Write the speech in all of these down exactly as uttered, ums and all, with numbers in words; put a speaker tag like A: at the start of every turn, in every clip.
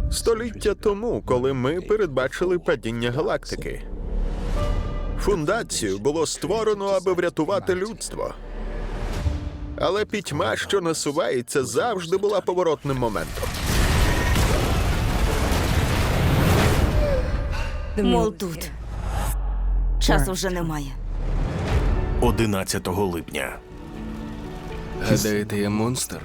A: Століття тому, коли ми передбачили падіння галактики. Фундацію було створено, аби врятувати людство. Але пітьма, що насувається, завжди була поворотним моментом.
B: Мол, тут. Часу вже немає.
C: одинадцятого липня.
D: Гадаєте, я монстр?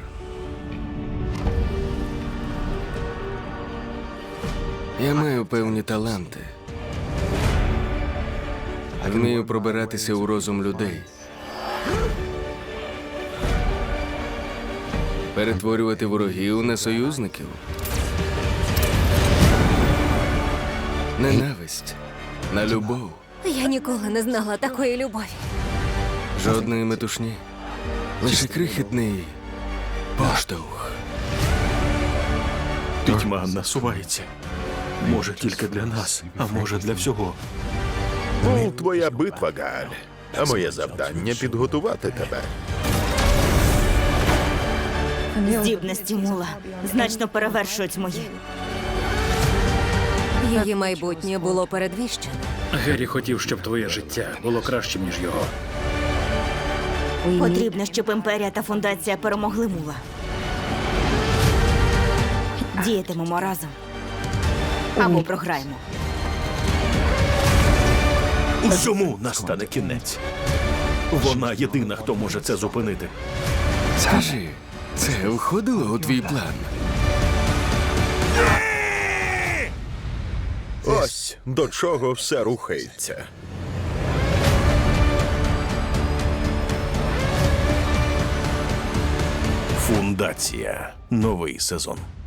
D: Я маю певні таланти. Вмію пробиратися у розум людей. Перетворювати ворогів на союзників. Ненависть на любов.
E: Я ніколи не знала такої любові.
D: Жодної метушні. Лише крихітний поштовх.
C: Пітьма насувається. Може, тільки для нас, а може, для всього.
A: Мол, твоя битва, Гааль. А моє завдання — підготувати тебе.
B: Здібності Мула значно перевершують мої.
E: Її майбутнє було передвіщено.
F: Геррі хотів, щоб твоє життя було кращим, ніж його.
B: Потрібно, щоб імперія та фундація перемогли Мула. Діятимемо разом. Або програємо.
C: Усьому настане кінець. Вона єдина, хто може це зупинити.
D: Скажи, це входило у твій план?
A: Ось до чого все рухається.
C: Фундація. Новий сезон.